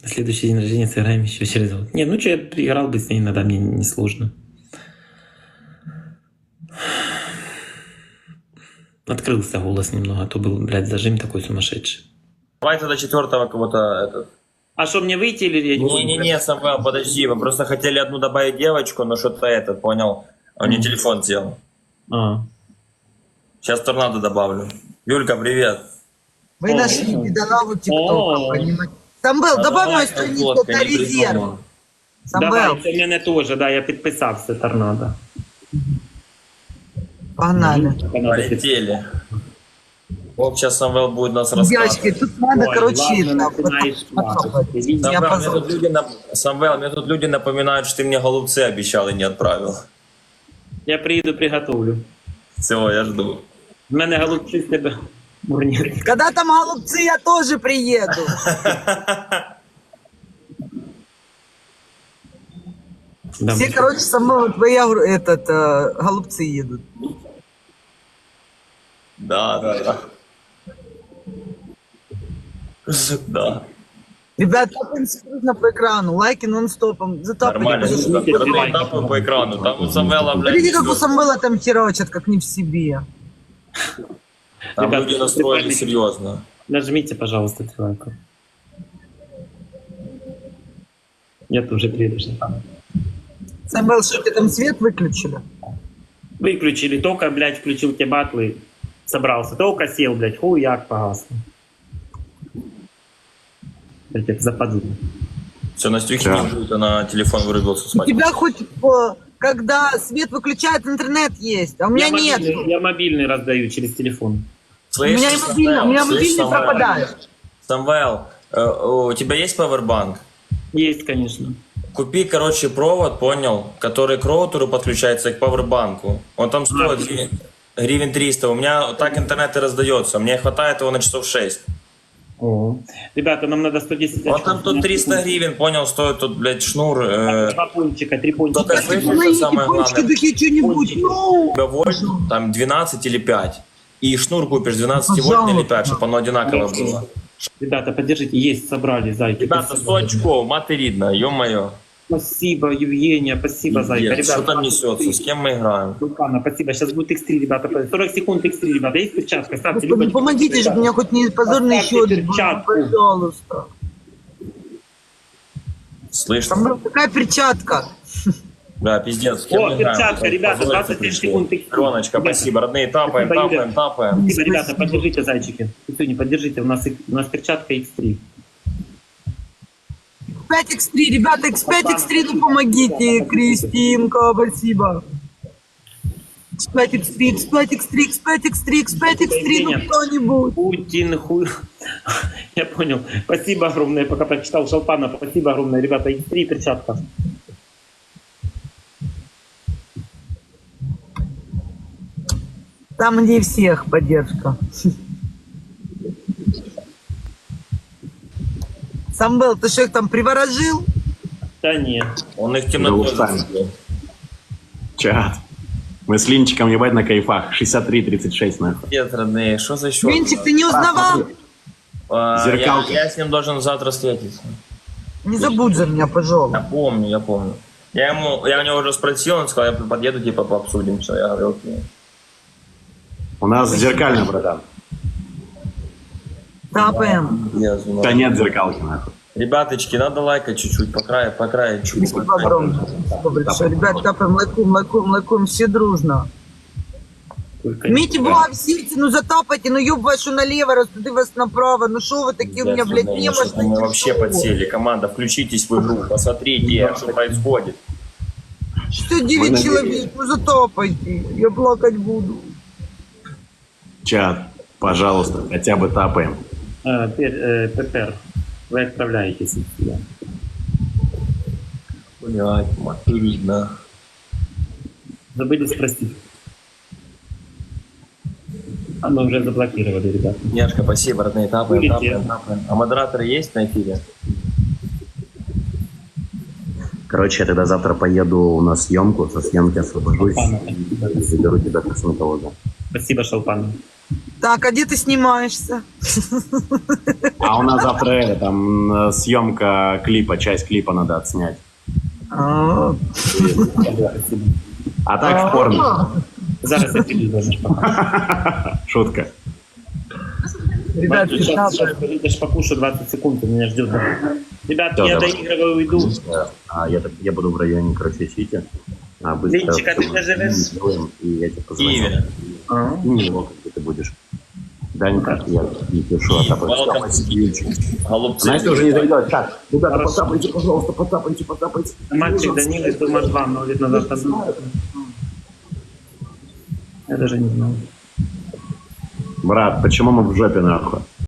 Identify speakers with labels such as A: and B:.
A: На следующий день рождения сыграем еще через год. Не, ну что, я играл бы с ней иногда, мне не сложно. Открылся голос немного, а то был, блядь, зажим такой сумасшедший.
B: Давай тогда четвертого кого-то этот.
A: А что, мне выйти или...
B: Не-не-не, Самвел, подожди, мы просто хотели одну добавить девочку, но что-то этот, понял? Он не телефон сделал.
A: А.
B: Сейчас торнадо добавлю. Юлька, привет.
C: Вы нашли пидораву ТикТока, понимаете? Самвел, добавь мою страницу, это резерв. Самвел,
A: Давай, це в мене теж, да, я підписався торнадо.
C: погнали.
B: Полетели. Вот сейчас Самвел будет нас
C: Девочки,
B: рассказывать.
C: тут надо,
A: Ой,
C: короче,
A: ладно,
C: это,
A: начинаешь плакать.
C: я
B: Самвел, мне
C: позволю.
B: тут люди, Самвел, мне тут люди напоминают, что ты мне голубцы обещал и не отправил.
A: Я приїду, приготовлю.
B: Все, я жду.
A: В мене голубці з тебе бурні.
C: Когда там голубцы, я тоже приеду.
A: Да,
C: Все, короче, со мной твои голубцы едут.
B: Да. Да.
C: Ребят, тапаем синхронно по экрану, лайки нон-стопом.
B: Нормально.
C: Затапайте.
B: Братан, тапаю по экрану. Там у Самвела, блядь,
C: Смотрите, как у
B: всё.
C: Самвела там херочат, как не в себе.
B: Там
A: Ребята,
B: люди настроили серьезно.
A: Нажмите, пожалуйста, 3 лайка. Я тоже приеду.
C: Самвел, что ты там свет выключили?
A: Выключили, только, блядь, включил те батлы, собрался, только сел, блядь, хуяк погас. Блядь, это западу.
B: Все, Настюхи не будет, она телефон вырубился с
C: У
B: матери.
C: тебя хоть когда свет выключает, интернет есть, а у меня нет.
A: Я мобильный раздаю через телефон.
C: У меня и мобильный, у меня мобильный пропадает.
B: Самвел, у тебя есть пауэрбанк?
A: Есть, конечно.
B: Купи, короче, провод, понял, который к роутеру подключается к пауэрбанку. Он там стоит гривен 300. У меня так интернет и раздается. Мне хватает его на часов 6.
A: О. Ребята, нам надо 110
B: Вот там тут 300 гривен, понял, стоит тут, блядь, шнур.
A: 2 пончика, 3 пончика.
B: Только слышишь, что
C: Мои
B: самое
C: пончики,
B: главное?
C: такие что-нибудь. Ну,
B: У тебя вольт, там 12 или 5. И шнур купишь 12 вольт или 5, чтобы оно одинаково было.
A: Ребята, поддержите, есть, собрали, зайки.
B: Ребята,
A: Спасибо.
B: 100 очков, материдно, ё-моё.
A: Спасибо, Евгения, спасибо, зайка.
B: Пиздец, что
A: Ребята,
B: там несется, с кем мы играем?
A: Лукана, спасибо. Сейчас будет X3, ребята. 40 секунд X3, ребята. Есть перчатка? Ставьте
C: Господи,
A: любой.
C: помогите же, мне хоть не позорный
A: Поставьте
C: счет,
A: перчатку.
C: пожалуйста.
B: Слышь,
C: Там какая перчатка?
B: да, пиздец, с кем
A: О,
B: мы играем?
A: перчатка, ребята,
B: Позориться
A: 27
B: пришли.
A: секунд. X3.
B: Роночка, спасибо, родные, тапаем,
A: Спасибо, Юля.
B: тапаем.
A: Спасибо, ребята, поддержите, зайчики. Сегодня поддержите, у нас перчатка X3.
C: 5x3, ребята, x5, x3, ну помогите, Кристинка, спасибо. x5, x3, x5, x3, x5, x3, x5, x3, ну кто-нибудь.
A: Путин, хуй. Я понял. Спасибо огромное, пока прочитал Шалпана. Спасибо огромное, ребята. X3 перчатка.
C: Там где всех поддержка. Самвел, ты что их там приворожил?
A: Да нет.
B: Он их темнотой
D: устами.
B: засветил.
D: Чат. Мы с Линчиком ебать на кайфах. 63-36 нахуй.
B: Нет, родные, что за счет?
C: Винчик, ты не узнавал?
D: Зеркалка.
B: Я с ним должен завтра встретиться.
C: Не забудь за меня,
B: Я
C: пожалуйста.
B: помню. Я у него уже спросил, он сказал, я подъеду, типа, пообсудим все. Я говорю, окей.
D: У нас зеркально, братан.
C: Тапаем.
B: Я знаю.
D: Да нет зеркалки нахуй.
B: Ребяточки, надо лайкать чуть-чуть, по краю чуть.
C: Спасибо огромное. Спасибо большое. Ребят, тапаем, лайкуем, все дружно.
A: Только
C: Мите была в сердце, ну затапайте, ну ёб вашу налево, растуды вас направо. Ну шо вы такие у меня, блядь,
B: Мы
C: немощные?
B: вообще подсели. Команда, включитесь в игру, посмотрите, что происходит.
C: Что 9 человек, ну затапайте, я плакать буду.
D: Чат, пожалуйста, хотя бы тапаем.
A: Пепер, вы отправляетесь сюда.
B: Блять, материдно.
A: Забыли спросить. А мы уже заблокировали, ребята.
B: Няшка, спасибо, родные, тапаем.
A: Будете?
B: А модераторы есть на эфире?
D: Короче, я тогда завтра поеду на съемку, со съемки освобожусь
A: Шалпана,
D: и заберу тебя к косметологу.
A: Спасибо, Шалпан.
C: Так, а где ты снимаешься?
D: А у нас завтра там съемка клипа, часть клипа надо отснять.
C: А,
D: А так в форме.
A: Зараз я піду даже пока.
D: Шутка.
C: Ребят,
A: Сейчас идешь покушаю 20 секунд, ты меня ждет. Ребят,
D: Всё,
A: я
D: давай.
A: доигрываю, уйду.
D: Я буду в районе, короче, Сити. Быстро
A: Линчик, а ты где живешь?
D: сделаем, и я тебе
B: В
D: позвоню.
B: Киеве.
A: Ага.
D: И не его, где ты будешь. Данька, я не пишу, а
B: Welcome. Голубцы.
D: Настя уже не зайдет. Так, ребята, потапайте, пожалуйста, потапайте.
A: Мальчик Данила из Дома 2 много лет назад там был. Я даже не знал.
D: Брат, почему мы в жопе нахуй?